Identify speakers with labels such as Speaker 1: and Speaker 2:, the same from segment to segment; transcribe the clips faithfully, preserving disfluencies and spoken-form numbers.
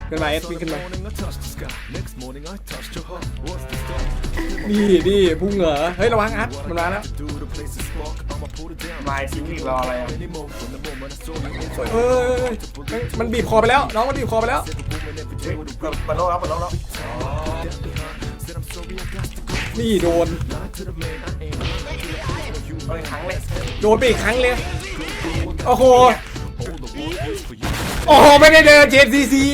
Speaker 1: ขึ้นมาเอสวิ่งขึ้นมานี่นี่พุ่งเหรอเฮ้ยระวังอัดมันมาแล้ว
Speaker 2: มาทิ้งอีกรออะไรอ่ะ
Speaker 1: เฮ้ยมันบีบคอไปแล้วน้องมันบีบคอไปแล้ว
Speaker 2: เปิดโลกแล้วเปิดโลกแล้ว
Speaker 1: นี่โดน
Speaker 2: โดนครั้งเลย
Speaker 1: โดนไปอีกครั้งเลยโอ้โหโอ้โหไม่ได้เดินเจมซีซี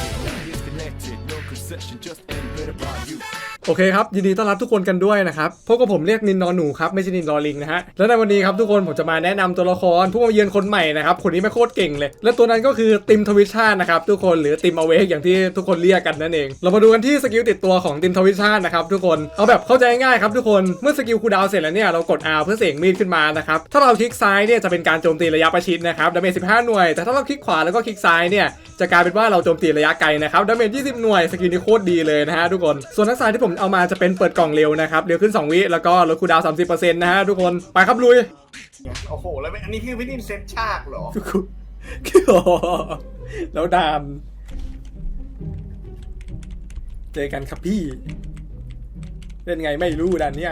Speaker 1: โอเคครับยินดีต้อนรับทุกคนกันด้วยนะครับพบกับผมเรียกนินนอนหนูครับไม่ใช่นินรอลิงนะฮะแล้วในวันนี้ครับทุกคนผมจะมาแนะนำตัวละครผู้มาเยือนคนใหม่นะครับคนนี้ไม่โคตรเก่งเลยและตัวนั้นก็คือติมทวิชานะครับทุกคนหรือติมอเวกอย่างที่ทุกคนเรียกกันนั่นเองเรามาดูกันที่สกิลติดตัวของติมทวิชานะครับทุกคนเอาแบบเข้าใจง่ายๆครับทุกคนเมื่อสกิลคูลดาวน์เสร็จแล้วเนี่ยเรากด R เพื่อเสกมีดขึ้นมานะครับถ้าเราคลิกซ้ายเนี่ยจะเป็นการโจมตีระยะประชิดนะครับดาเมจสิบห้าหน่วยแต่ถ้าเราคลิกขวาแล้วก็คลิกซ้ายเนี่ยจะกลายเป็นว่าเราโจมตีระยะไกลนะครับดาเมจยี่สิบหน่วยสกิลนี้โคตรดีเลยนะฮะทุกคนส่วนทักษะที่ผมเอามาจะเป็นเปิดกล่องเร็วนะครับเร็วขึ้นสองวิแล้วก็ลดคูลดาวน์ สามสิบเปอร์เซ็นต์ นะฮะทุกคนไปครับลุย
Speaker 2: โอ้โหแล้วอันนี้คือวิธีเซตฉากเหรอ
Speaker 1: แล้วดามเจอกันครับพี่เล่นไงไม่รู้ดันเนี้ย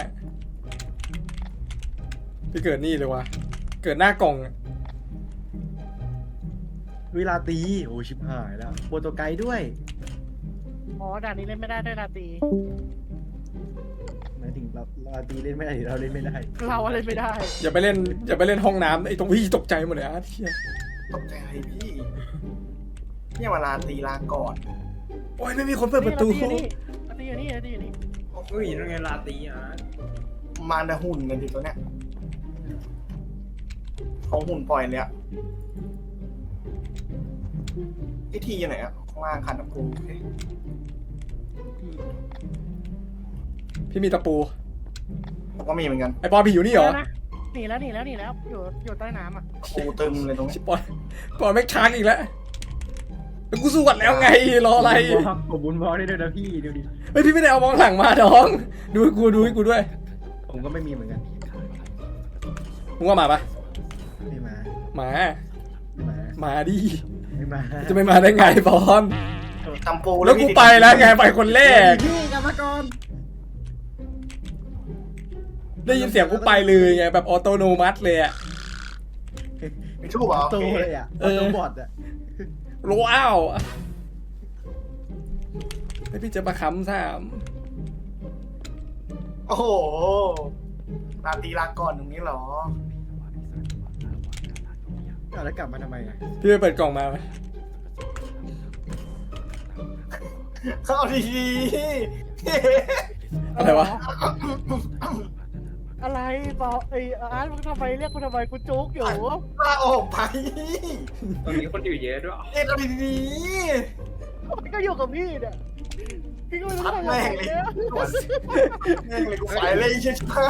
Speaker 1: พี่เกิดนี่เลยวะเกิดหน้ากล่อง
Speaker 3: เวลาตีโอ้ชิบหายแล้วโปรโตไกด์ด้วย
Speaker 4: อ๋อด่านนี้เล่นไม่ได้ด้วยลาตี
Speaker 3: หมายถึงเราลาตีเล่นไม่ได้หรือเราเล่นไม่ได้
Speaker 4: เราเล่นไม่ได้
Speaker 1: อย่าไปเล่นอย่าไปเล่นห้องน้ำไอ้ตรงพี่ตกใจหมดเลยอ่ะเที่ย
Speaker 2: ตกใจอะไรพี่เนี่ยเวลาตีลาก่อน
Speaker 1: โอ้ยไม่มีคนเปิดประตู
Speaker 4: ลาตีอยู่นี่ลาตีอยู่นี่
Speaker 2: เฮ้ยยังไงลาตีอ่ะมารดาหุ่นกันดิตัวเนี้ยของหุ่นปล่อยเลยอ่ะไอทีอยู่ไหนอ่ะข้างล่างคันตะปู
Speaker 1: พี่มีตะปู
Speaker 2: ผมก็มีเหมือนกัน
Speaker 1: ไอปอนพี่อยู่นี่เหรอ
Speaker 4: หนีแล้วหนีแล้วหนีแล้วอยู่อยู่ใต้น้ำอ่ะ
Speaker 2: ปูตึมเลยตรงนี้
Speaker 1: ปอนปอนไม่ค้างอีกแล้วแล้วกูสวดแล้วไงรออะไร
Speaker 3: ผมบุญบอลได้ด้วยนะพี่ดูดิ
Speaker 1: เฮ้ยพี่ไม่ได้เอามองหลังมาน้องดูกูดูให้กูด้วย
Speaker 3: ผมก็ไม่มีเหมือนกัน
Speaker 1: มึงว่ามาปะ
Speaker 3: ไม่มา
Speaker 1: มา
Speaker 3: มา
Speaker 1: มาดิ
Speaker 3: ไม่มา
Speaker 1: จะไม่มาได้ไงปอน
Speaker 2: ตำปู
Speaker 1: แล้วกูไปแล้วไงไปคนแรก
Speaker 3: พี่กรรมกร
Speaker 1: ได้ยินเสียงกูไปเลยไงแบบออโตโนมัติเลยอ่ะ
Speaker 2: ไม่ชู้เหรอ
Speaker 3: โตเลยอ่ะออโตบอทอ่ะ
Speaker 1: ว้าวให้พี่จะมาค้ำสาม
Speaker 2: โอ้โหลาตีลาก่อนตรงนี้เหรอ
Speaker 3: แล้วกลับมาทำไมอ่ะ
Speaker 1: พี่ไปเปิดกล่องมาไหม
Speaker 2: เข้าดี
Speaker 1: ๆอะไรวะ
Speaker 4: อะไรปอไอ้อาร์ตมึงทำไมเรียกกูทำไมกูจุกอยู่
Speaker 2: ลาออกไป
Speaker 5: ตอนนี้คนอยู่เยอะด้วย
Speaker 2: เอ็ดเอาดี
Speaker 4: ๆก็อยู่กับพี่เนี่ยพี่ก็ไม่รู้ทำไม
Speaker 2: เนี่ยแม่งเลยกูไปเลยใช่ไหม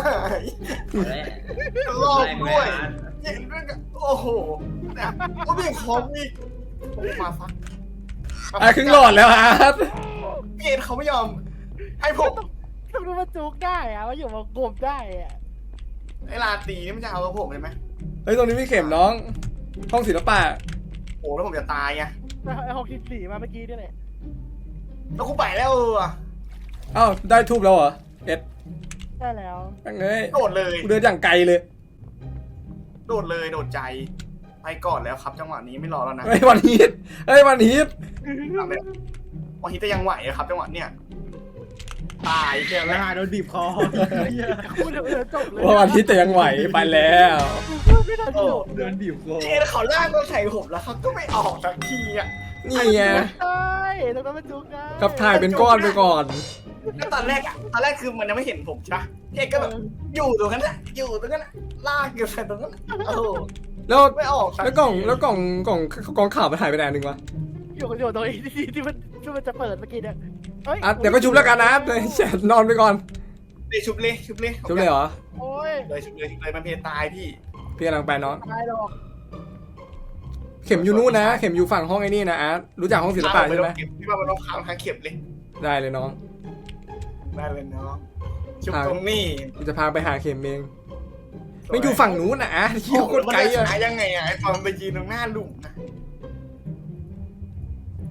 Speaker 2: รอบด้วยเห็นด้วยกันโอ้โหเนี่ยก็มีของมีมาฟัก
Speaker 1: อ่ะครึ่งหลอดแล้วอาร์ต
Speaker 2: เกณฑ์เขาไม่ยอมให้ผม
Speaker 4: ทำไมมาจุกได้อะมาอยู่มากบได้อะ
Speaker 2: ไอ้ลาตีนี่มันจะเอากับผมเลยไหม
Speaker 1: เฮ้ยตรงนี้มีเข็มน้องห้องศิลปะ
Speaker 2: โอ้แล้วผมจะตายไง
Speaker 4: ไอ้ห้องที่สี่มาเมื่อกี้นี่แหละ
Speaker 2: แล้วกูไปแล้วอ่ะ
Speaker 1: อ้าวได้ทูบแล้วเหรอเอ็ด
Speaker 4: ได้แล้ว
Speaker 1: ตั้งเลย
Speaker 2: โดดเลย
Speaker 1: กูเดินอย่างไกลเลย
Speaker 2: โดดเลยโดดใจไปก่อนแล้วครับจังหวะนี้ไม่รอแล้วนะ
Speaker 1: ไอ้วันฮีทไอ้วันฮีท
Speaker 2: วันฮีทจะยังไหวครับจังหวะเนี้ยตายเชียว
Speaker 3: แล้วโดนบีบคอ
Speaker 1: ว่าวันฮีทจะยังไหวไปแล้ว
Speaker 3: โดนบีบคอ
Speaker 2: เอ๊ะเขาล่างก็ใส่ผมแล้วเขาก็ไม่ออกสักทีอ่ะ
Speaker 1: นี่ไง
Speaker 4: ใช่แล้วก็มาจุกได้
Speaker 1: กับถ่ายเป็นก้อนไปก่อน
Speaker 2: ตอนแรกอ่ะตอนแรกคือมันยังไม่เห็นผมใช่ปะเอกก็แบบอยู่ตรงนั้นแหละอยู่ตรงนั้นลากอยู่ใส่ตรงนั้นโอ้
Speaker 1: แล้ว
Speaker 2: ไม่ออก
Speaker 1: แล้วกล่องแล้วกล่องกล่องกล่องข่าวมันหายไปไหนหนึ่งวะ
Speaker 4: อยู่อยู่ตรงนี้ที่ที่มันที่มันจะเปิดเมื่อกี้เนี่ย
Speaker 1: อ่ะเดี๋ยวก็ชุบแล้วกันนะนอนไปก่อน
Speaker 2: เลยชุบเลยชุบเลย
Speaker 1: ชุบเลยเหรอ
Speaker 4: โอ้ย
Speaker 2: เลยชุบเลยชุบเลยมันเพลตายพี่
Speaker 1: พี่กำลังไปน้อง
Speaker 4: ตายหรอก
Speaker 1: เข็มอยู่นู่นนะเข็มอยู่ฝั่งห้องไอ้นี่นะอาร์ตรู้จักห้องศิลปะใช่ไหม
Speaker 2: พี่ว่ามันต้องค้างทางเข็มเลย
Speaker 1: ได้เลยน้อง
Speaker 2: ได้เลยน้องชุบตรงนี้
Speaker 1: กูจะพาไปหาเข็มเองไม่อยู่ฝั่งนู้นนะอาร์ตที่โคตรไกลอะ
Speaker 2: ยังไงอะไอ้ตอนไปยืนตรงหน้าหลุมนะ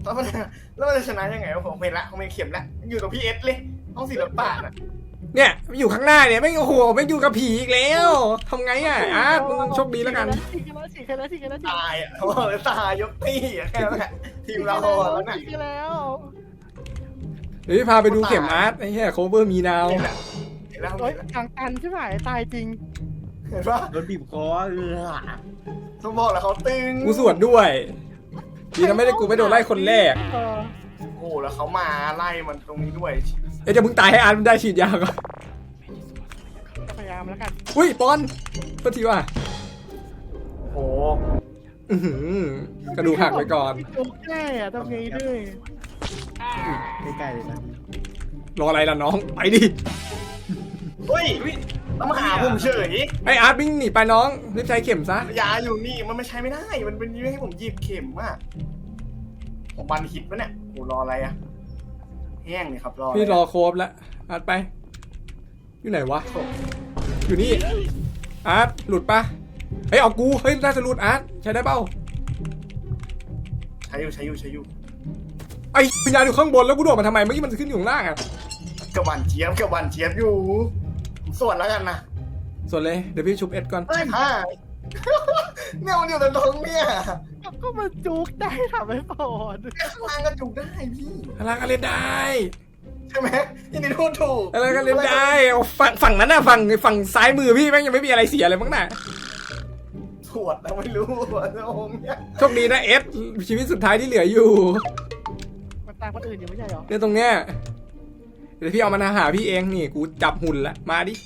Speaker 2: แล้วมันแล้วมันจะชนะยังไงวะผมเห็นละผมเห็นเข็มละอยู่ตรงพี่เอสเลยห้องศิลปะน่ะ
Speaker 1: เนี่ยอยู่ข้างหน้าเนี่ยไม่งโอ้โหไม่งอยู่กับผีอีกแล้วทำไงอ่ะอาร์ตมึงโชคดีแล้วกัน
Speaker 4: ฉีกกันแล้วฉีกกันแล้วฉีกกันแล้วฉีก
Speaker 2: ตายอ่ะเขาบอกเลยตายยกตี้อ่ะแค่นั้นแหละทีมเราแล้วน่ะ
Speaker 4: ฉีกกันแล้ว
Speaker 1: เดี๋ยวพี่พาไปดูเข็มอาร์ตไอ้เหี้ยโคเวอร์มีนาว
Speaker 2: เห็นแล้วเห็นแล้ว
Speaker 4: โอ๊ย
Speaker 2: เห็นแล้ว
Speaker 4: ทางตันใช่ไหมตายจริง
Speaker 2: เห็นปะ
Speaker 3: โดนบีบคอเออ
Speaker 2: ต้องบอกแล้วเขาตึง
Speaker 1: กูสวดด้วยดีนะไม่ได้กูไม่โดนไล่คนแรก
Speaker 4: เออ
Speaker 2: โอ้โหแล้วเขามาไล่มันตรงนี้ด้วย
Speaker 1: เอ้ยจะมึงตายให้อาร์ตมันได้ฉีดยาก่อน
Speaker 4: พยายามแล้วกัน
Speaker 1: อุ้ยปอนโทษทีว่ะ
Speaker 2: โอ้โห
Speaker 1: อื้อหือกระดูกหักไปก่อน
Speaker 4: จุกแน่อะทำไงด้วย
Speaker 3: ใกล้ๆเลยนะ
Speaker 1: รออะไรล่ะน้องไปดิ
Speaker 2: เฮ้ยต้องมาหาผมเฉย
Speaker 1: ไออาร์ตวิ่งหนีไปน้องรีบใช้เข็มซะ
Speaker 2: ยาอยู่นี่มันไม่ใช้ไม่ได้ มันเป็นยื้อให้ผมหยิบเข็มอ่ะผมบันฮิตปะเนี่ยโหรออะไรอ่ะแห้งเลยครับรอ
Speaker 1: พี่รอโครบแล้วอาร์ตไปอยู่ไหนวะอยู่นี่อาร์ตหลุดปะเฮ้ยเอากูเฮ้ยน่าจะหลุดอาร์ตใช้ได้เปล่า
Speaker 2: ใช้อยู่ใช้อยู่ใช้อยู่
Speaker 1: ไอ้วิญญาณอยู่ข้างบนแล้วกูโดดมาทำไมเมื่อกี้มันขึ้นอยู่ข้างล่างอะ
Speaker 2: กับหวานเจี๊ยบกับหวานเจี๊ยบอยู่ผมส่วนแล้วกันนะ
Speaker 1: ส่วนเลยเดี๋ยวพี่ชุบเอ็ดก่อน
Speaker 2: เฮ้ยฮ่าเนี่ยมันอยู่ตรงเนี่ย
Speaker 4: ก็มันจุกได้ทำให้ปอด
Speaker 2: ข้างล่างก็จุกได้พี่
Speaker 1: อะไรก็เล่นได้
Speaker 2: ใช่ไหมยินดีพูดถูก
Speaker 1: อะไรก็เล่นได้เอาฝั่งฝั่งนั้นน่ะฝั่งฝั่งซ้ายมือพี่แม่งยังไม่มีอะไรเสียเลยมั้งน่ะ
Speaker 2: สวดแล้วไม่รู้ว่าจะองค์เนี่ย
Speaker 1: โชคดีนะเอสชีวิตสุดท้ายที่เหลืออยู่
Speaker 4: มันตายคนอื่นอยู่ไม่ใช่เหรอ
Speaker 1: เนี่ยตรงเนี้ยเดี๋ยวพี่เอามาหาพี่เองนี่กูจับหุ่นละมาดิ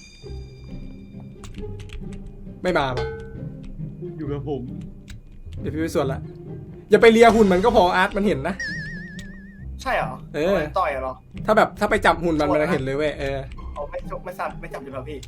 Speaker 1: ไม่มาปะ
Speaker 3: อยู่กับผม
Speaker 1: เดี๋ยวพี่ไปส่วนละอย่าไปเลียหุ่นมันก็พออาร์ตมันเห็นนะ
Speaker 2: ใช่เหรอ
Speaker 1: เออ
Speaker 2: ต่อยเหรอ
Speaker 1: ถ้าแบบถ้าไปจับหุ่นมันมันจะเห็นเลยเว้ยเออ
Speaker 2: เอาไม่จบไม่สับไม่จับอยู่แล้วพี่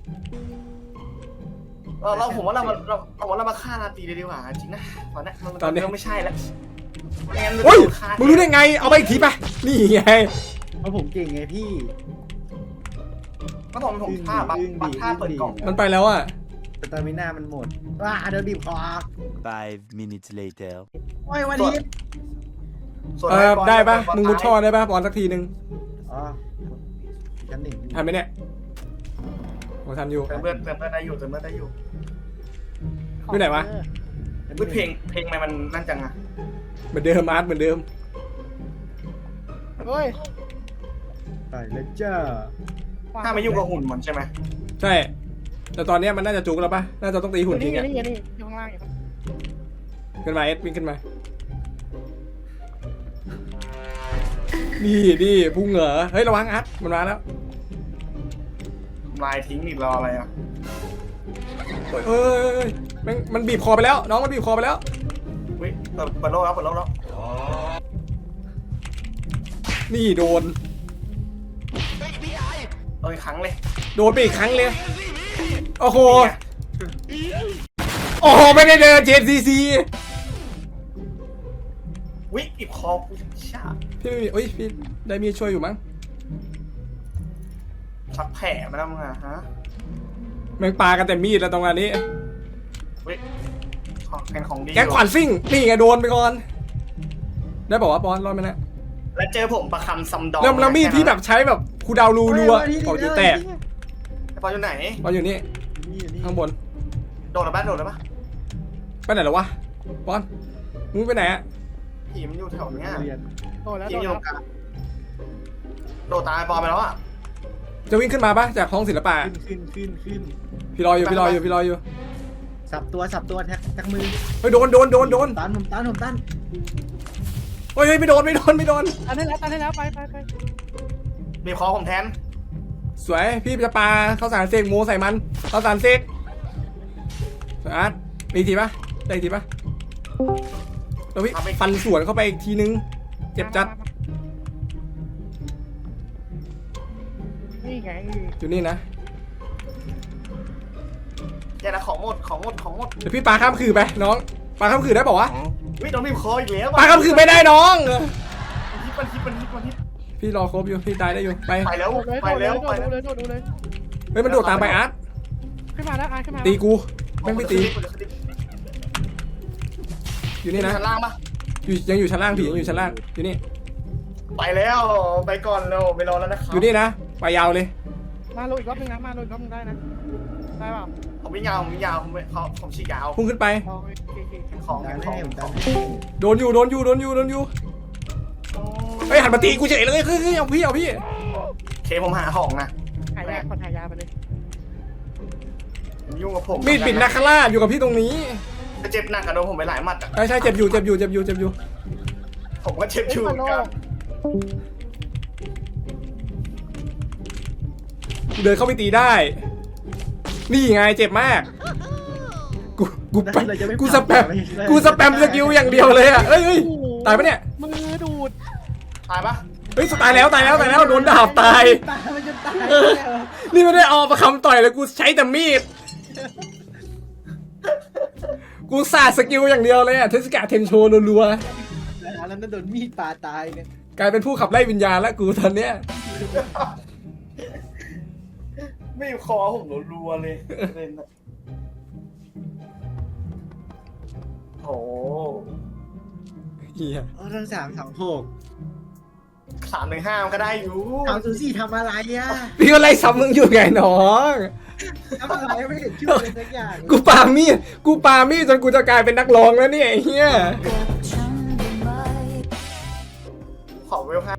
Speaker 2: เราเราผมว่าเรามาเราเอาว่าเรามาฆ่าราตรีเลยดีกว่าจริงนะตอนนี้มัน
Speaker 1: ตอนนี้
Speaker 2: เริ่มไม่ใช่แล้วไม่งั้นมัน
Speaker 1: โอ้ย
Speaker 2: โดนฆ่า
Speaker 1: มึงรู้ได้ไงเอาไปอีกทีไปนี่ไง
Speaker 3: เพราะผมเก่งไงพี่
Speaker 2: ก็ผมผมฆ่าบัตรบัตรฆ่าเปิดกล่อง
Speaker 1: มันไปแล้วอ่ะ
Speaker 3: แต่ตามิน่ามันหมดว้าโดนบีบคอ
Speaker 6: Five minutes later.
Speaker 3: โอ้ยวันนี้
Speaker 2: ส่วน
Speaker 1: เออ
Speaker 2: อ้บล
Speaker 1: ได้ปะ
Speaker 2: บอล
Speaker 1: มึงมุดท่อได้ปะบอลสักทีนึง
Speaker 3: อ๋อชั้นหนึ่ง
Speaker 1: ทันไหมเนี่ยโอ้ทันอยู่
Speaker 2: เติมเลือดเติมเลือดได้อยู่เติมเลือดได้อยู่
Speaker 1: อยู่ไหนวะ
Speaker 2: อุ๊ยเพลงเพลงทำไมมันนั่นจังอะ
Speaker 1: เหมือนเดิมอาร์ตเหมือนเดิม
Speaker 4: เฮ้ย
Speaker 3: ไปแล้วจ้า
Speaker 2: ถ้าไม่ยุ่งกับหุ่นมันใช่ไหม
Speaker 1: ใช่แต่ตอนเนี้ยมันน่าจะจุกแล้วปะน่าจะต้องตีหุ่นทิ้ง
Speaker 4: นี่
Speaker 1: อ่ะ
Speaker 4: นี่นี่อยู่ข้างล่างอยู่
Speaker 1: ขึ้นมาเอสวิ่งขึ้นมานี่นี่พุ่งเหรอเฮ้ยระวังอาร์ตมันมาแล้ว
Speaker 2: ลายทิ้งอีกรออะไรอะ
Speaker 1: เฮ้ยเฮ้ยเฮ้ยเฮ้ยแม่งมันบีบคอไปแล้ว น้องมันบีบคอไปแล้ว
Speaker 2: อุ้ยเปิดเปิดโลกแล้วเปิดโลกแล้ว
Speaker 1: นี่โดน
Speaker 2: เอาอีกครั้งเลย
Speaker 1: โดนไปอีกครั้งเลย โอ้โห โอ้โห ไม่ได้เดินเจนซีซี
Speaker 2: วิอีบคอกูชา
Speaker 1: พี่ไม่มีเอ้ย พี่ได้มีช่วยอยู่มั้ง
Speaker 2: ชักแผลมาแล้วมึงอะฮะ
Speaker 1: แม่งปากันแต่มีดแล้วตรงอันนี้
Speaker 2: วิของเป็นของดี
Speaker 1: แก๊งขวานซิ่ง นี่ไงโดนไปก่อน ได้บอกว่าปอนรอดไหมนะ
Speaker 2: แล้วเจอผมประคำซัมดอง
Speaker 1: เริ่มแล้วมีดพี่แบบใช้แบบคูดาวรูรัวๆออกอยู่แตก
Speaker 2: ไอ้ปอนอยู่ไหน
Speaker 1: ปอนอยู่นี่
Speaker 3: นี่นี่
Speaker 1: ข้างบน
Speaker 2: โดดหรือปะโดดหรือปะ
Speaker 1: ไปไหนแล้ววะปอนมึงไปไหนอะ
Speaker 2: ผีมันอยู่แถวเนี้ย
Speaker 3: เรียน
Speaker 4: โดนแล้ว
Speaker 2: ผี
Speaker 4: โด
Speaker 2: มัน
Speaker 4: น
Speaker 2: อยู่
Speaker 4: แล้
Speaker 2: ตร
Speaker 4: ว
Speaker 2: งกลางโดดตายปอนไปแล้วอะ
Speaker 1: จะวิ่งขึ้นมาปะจากห้องศิลปะ
Speaker 3: ขึ้นขึ้นขึ้นขึ้น
Speaker 1: พี่รออยู่ พี่รออยู่ พี่รออยู่
Speaker 3: สับตัวสับตัวแท็กแท็กมือ
Speaker 1: เฮ้ยโดนโดนโดนโดน
Speaker 3: ตันผมตันผมตัน
Speaker 1: เฮ้ยเฮ้ยไม่โดนไม่โดนไม่โดน
Speaker 4: ตันได้แล้วตันได้แล้วไปไปไป
Speaker 2: บีบคอผมแทน
Speaker 1: สวยพี่จะปาข้าวสารเสกโมใส่มันข้าวสารเสกสวยอาร์ตมีทีปะได้ทีปะแล้วพี่ฟันสวนเข้าไปอีกทีนึงเจ็บจัด
Speaker 4: นี่ไง
Speaker 1: อยู่นี่นะ
Speaker 2: อย่านะของหมดของหมดของหมด
Speaker 1: เดี๋ยวพี่ปาข้ามคือไปน้องปาข้ามคือได้ป่าวะ
Speaker 2: วิโดนบีบคออีกแล้ว
Speaker 1: ปาข้ามคือไม่ได้น้อง
Speaker 2: มันฮิปมันฮิปมันฮิปมันฮิป
Speaker 1: พี่รอครบอยู่พี่ตายได้อยู่ไป
Speaker 2: ไปแล้ว
Speaker 4: โดดเลย
Speaker 2: ไปแล้ว
Speaker 4: โด
Speaker 2: ไป
Speaker 4: ด
Speaker 2: แล้ว
Speaker 4: เลยโดดเลยโดดเลย
Speaker 1: เฮ้ยมันโดดตามไปอาร์ต
Speaker 4: ขึ้นมาแล้วอ่ะขึ้นมา
Speaker 1: ตีกูแม่งไม่ตีอยู่นี่นะ
Speaker 2: ชั้นล่างปะ
Speaker 1: อยู่ยังอยู่ชั้นล่างผียังอยู่ชั้นล่างอยู่นี่
Speaker 2: ไปแล้วไปก่อนเราไปรอแล้วนะครับ
Speaker 1: อยู่นี่นะไปยาวเลย
Speaker 4: มาลงอีกรอบนึงนะมาลงอีกรอบนึงได้นะได้เปล่า
Speaker 2: ผมไม่ยาวผมไม่ยาวผมไม่เขาผมฉีกยาว
Speaker 1: พุ่งขึ้นไป
Speaker 4: โอเคโอเค
Speaker 2: ของ
Speaker 3: ดัน
Speaker 2: ของ
Speaker 3: ให้ผม
Speaker 2: ข
Speaker 3: ดั
Speaker 2: อน ง
Speaker 3: ให้
Speaker 1: โดนอยู่โดนอยู่โดนอยู่โดนอยู่เฮ้ยหันมาตีกูเฉยเลยเฮ้ยเฮ้ยเอาพี่เอาพี่
Speaker 2: เคผมหาของนะ
Speaker 4: หายาคนหายาไปเลย
Speaker 2: ยุ่งกับผม
Speaker 1: มีดปิดนาคาร่าอยู่กับพี่ตรงนี้
Speaker 2: เจ็บหนักอะโดนผมไปหลายหมัดอะ
Speaker 1: ใช่ใช่เจ็บอยู่เจ็บอยู่เจ็บอยู่เจ็บอยู่
Speaker 2: ผมก็เจ็บอยู่เหมือนกัน
Speaker 1: กูเดินเข้าไปตีได้ นี่ไงเจ็บมากกูกูไป
Speaker 3: เราจะไม่
Speaker 1: กูสแปม
Speaker 3: ไม่ได้
Speaker 1: กูสแปมสกิลอย่างเดียวเลยอ่ะเอ้ยเอ้ยตายปะเนี่ย
Speaker 4: มือดูด
Speaker 2: ตายปะ
Speaker 1: เฮ้ยตายแล้วตายแล้วตายแล้วโดนดาบตาย
Speaker 3: ตายมันจะตาย
Speaker 1: เออ นี่ไม่ได้เอาประคำต่อยเลยกูใช้แต่มีด กูสาดสกิลอย่างเดียวเลยอ่ะเทสกาเทนโชรัว
Speaker 3: แล้วนั่นโดนมีดปาตายไง
Speaker 1: ๆกลายเป็นผู้ขับไล่วิญญาณแล้วกูตอนเนี้ย
Speaker 2: ไม่คอผมรัวๆเลยเล่นอะโอ้
Speaker 1: เฮีย
Speaker 3: อ๋อทั้งสามสองหก
Speaker 2: สามหนึ่งห้ามันก็ได้อยู่
Speaker 3: สามศูนย์สี่ทำอะไรอ่ะ
Speaker 1: พี่ก็ไล่ซ้ำมึงอยู่ไงน้อง
Speaker 3: ทำอะไรไม่เห็นช่วยเลยสักอย่าง
Speaker 1: กูปามีดกูปามีดจนกูจะกลายเป็นนักร้องแล้วเนี่ยไอ้เฮีย
Speaker 2: ขอเวลห้า